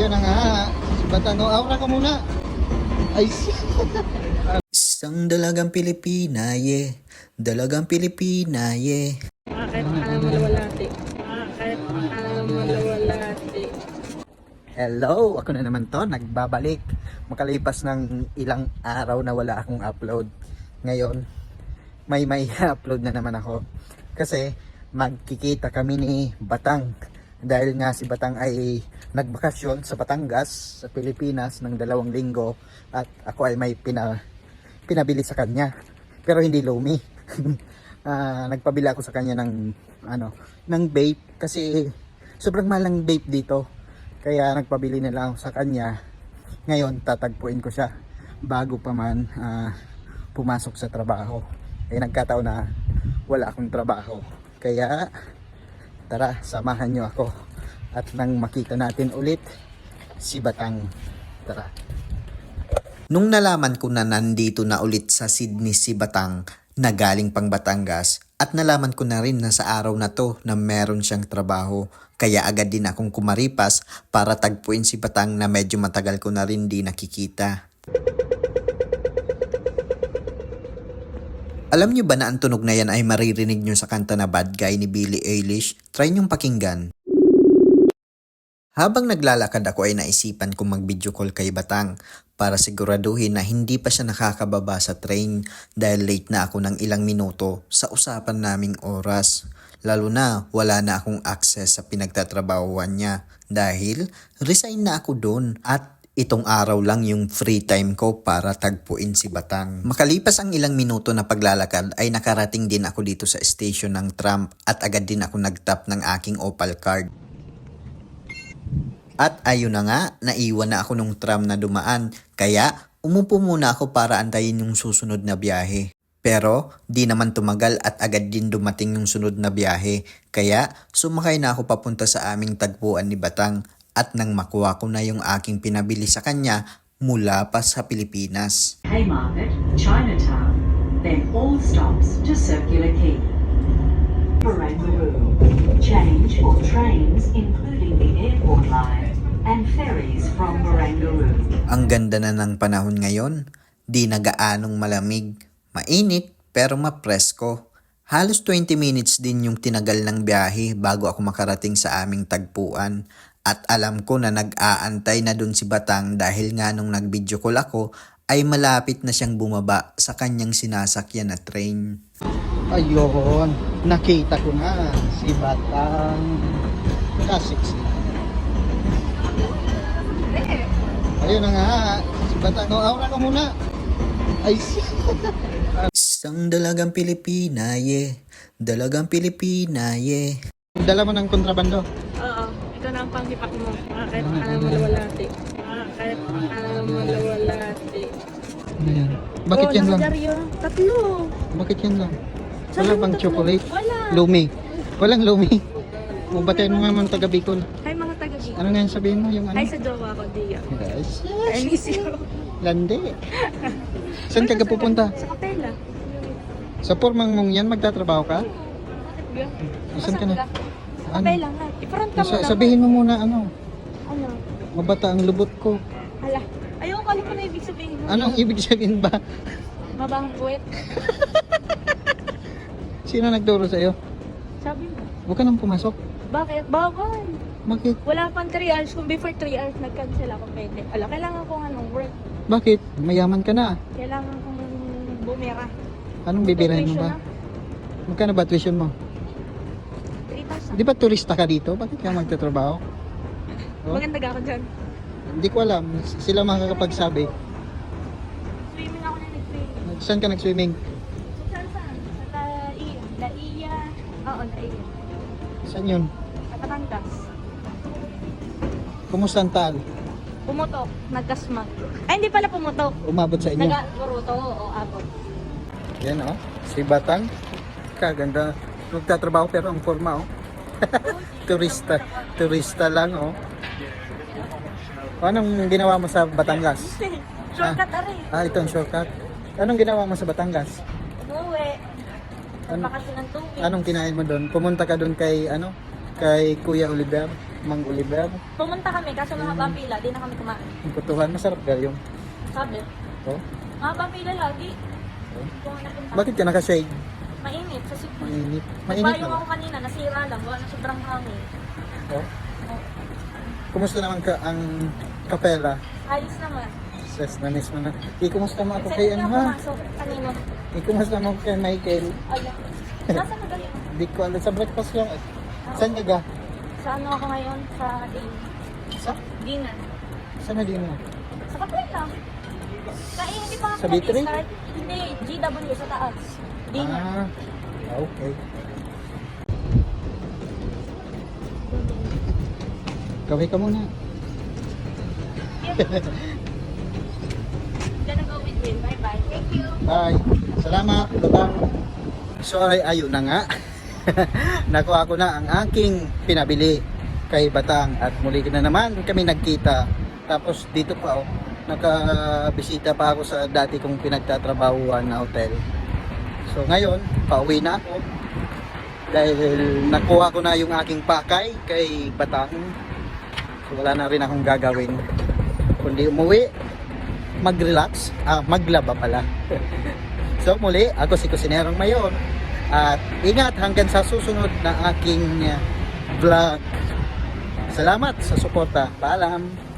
Ayun na nga. Si Batango, aura ko muna. Ay, Isang dalagang Pilipina, yeah. Dalagang Pilipina, yeah. Bakit malawalati? Bakit malawalati? hello! Ako na naman to, nagbabalik. Makalipas ng ilang araw na wala akong upload. Ngayon, may upload na naman ako. Kasi magkikita kami ni Batang. Dahil nga si Batang ay nagbakasyon sa Batangas, sa Pilipinas ng 2 linggo. At ako ay may pinabili sa kanya. Pero hindi lumi. Nagpabili ako sa kanya ng vape. Kasi sobrang mahal ng vape dito. Kaya nagpabili na lang ako sa kanya. Ngayon tatagpuin ko siya bago pa man pumasok sa trabaho. Nagkataon na wala akong trabaho. Kaya tara, samahan nyo ako. At nang makita natin ulit si Batang. Tara. Nung nalaman ko na nandito na ulit sa Sydney si Batang na galing pang Batangas at nalaman ko na rin na sa araw na to na meron siyang trabaho, kaya agad din akong kumaripas para tagpuin si Batang na medyo matagal ko na rin di nakikita. Alam nyo ba na ang tunog na yan ay maririnig nyo sa kanta na Bad Guy ni Billie Eilish? Try nyong pakinggan. Habang naglalakad ako ay naisipan kong mag-video call kay Batang para siguraduhin na hindi pa siya nakakababa sa train dahil late na ako ng ilang minuto sa usapan naming oras. Lalo na wala na akong access sa pinagtatrabahuan niya dahil resign na ako doon at itong araw lang yung free time ko para tagpuin si Batang. Makalipas ang ilang minuto na paglalakad ay nakarating din ako dito sa station ng tram at agad din ako nagtap ng aking Opal card. At ayun na nga, naiwan na ako nung tram na dumaan kaya umupo muna ako para antayin yung susunod na biyahe. Pero di naman tumagal at agad din dumating yung sunod na biyahe kaya sumakay na ako papunta sa aming tagpuan ni Batang. At nang makuha ko na yung aking pinabili sa kanya mula pa sa Pilipinas. Haymarket, Chinatown, then all stops to Circular Quay. Barangaroo, change for trains including the airport line and ferries from Barangaroo. Ang ganda na ng panahon ngayon, di na gaanong malamig, mainit pero mapresko. Halos 20 minutes din yung tinagal ng biyahe bago ako makarating sa aming tagpuan. At alam ko na nag-aantay na dun si Batang dahil nga nung nag-video call ako ay malapit na siyang bumaba sa kanyang sinasakyan na train. Ayun, nakita ko na si Batang. Kasiksi. Ayun na nga, si Batang. Aura ko muna. Ay, Isang dalagang Pilipina, yeah. Dalagang Pilipina, yeah. dala mo ng kontrabando. Oo, ito na ang panghipak mo. Bakit malawalati? Bakit malawalati? Ayan. Bakit yan lang? Tatlo. Bakit yan lang? Sabi Wala mo bang tatlo. chocolate? Wala. Lumi. Walang lumi. Batayin mo nga mga taga Bicol. Hi mga taga-Bicol. Ano nga yung sabihin mo? Yung ano? Hi sa jowa ko, Dia. Guys. I miss you. Lande. Saan ka pupunta? Sa kapela. Sa pormang mong yan, magtatrabaho ka? Saan ka na? Ano? Kapela nga. Iparanta mo lang. Sabihin mo muna ano? Ano? Mabata ang lubot ko. Hala. Ayoko, alam ko na ibig sabihin mo. Anong ibig sabihin ba? Mabahang puwet. Sino nagturo sa'yo? Sabi mo. Huwag ka nang pumasok. Bakit? Bawal. Bakit? Wala pang 3 hours. Kung before 3 hours, nag-cancel ako pwede. Ala, kailangan ko work. Bakit? Mayaman ka na. Kailangan kong bumira. Anong bibirahin mo Tuition ba? na. Magkano ba tuition mo? 3,000. Di ba turista ka dito? Bakit ka magtatrabaho? Oh? Maganda ka ako dyan. Hindi ko alam. Sila makakapagsabi. Swimming ako na nag-swimming. Saan ka nag-swimming? Saan? Sa Laiya. Laiya. Oo, Laiya. Saan yun? Sa Batangas. Kumusta ang taal? Pumutok. Nagkasmag. Ay, hindi pala pumutok. Umabot sa inyo? Nag-guruto. Oo, abot. Yan oh. Si Batang. Kaganda. Nagtatrabaho pero ang forma oh. Turista. Turista lang oh. Anong ginawa mo sa Batangas? Shortcut na rin. Ito ang shortcut. Anong ginawa mo sa Batangas? Umuwi. Ano? Bakasyon ng tubig. Anong kinain mo doon? Pumunta ka doon kay kay Kuya Oliver. Mang Oliver. Pumunta kami, kaso mahaba ang pila, di na kami kumain. Ang kutuhan, masarap galyong. Sabi, Oh? mahaba ang pila lagi. Oh? Kung napunta. Bakit ka nakashade? Mainit, sa Cebu. Mainit. Mainit Nagbayong ako na. kanina, nasira lang, wala na sobrang hangin. Oh? Oh. Kumusta naman ka ang kapela? Ayos naman. Ses na mismo na. Kumusta mo ako Excited kay na ano ako ha? pumasok kanina. Kumusta mo kay Michael? Ayun. Nasa mo galing? Di ko alam. Sa breakfast lang. Saan ka ga? Sa ano ako ngayon? Sa Sa? dinner. Saan na din mo? Sa kapit lang. Hindi pa ako Sa B3? nag-start. Hindi, GW sa taas. Dinner. Ah, okay. Kaway ka muna. Diyan na go with Will. Bye-bye. Thank you. Bye. Salamat. Batang. So ay ayun na nga. Nakuha ko na ang aking pinabili kay Batang at muli na naman kami nagkita. Tapos dito pa nakabisita pa ako sa dati kong pinagtatrabahuan na hotel. So ngayon, pauwi na ako dahil nakuha ko na yung aking pakay kay Batang. So wala na rin akong gagawin kundi umuwi, mag-relax, maglaba pala. So muli, ako si Kusinerong Mayon at ingat hanggang sa susunod na aking vlog. Salamat sa suporta. Paalam!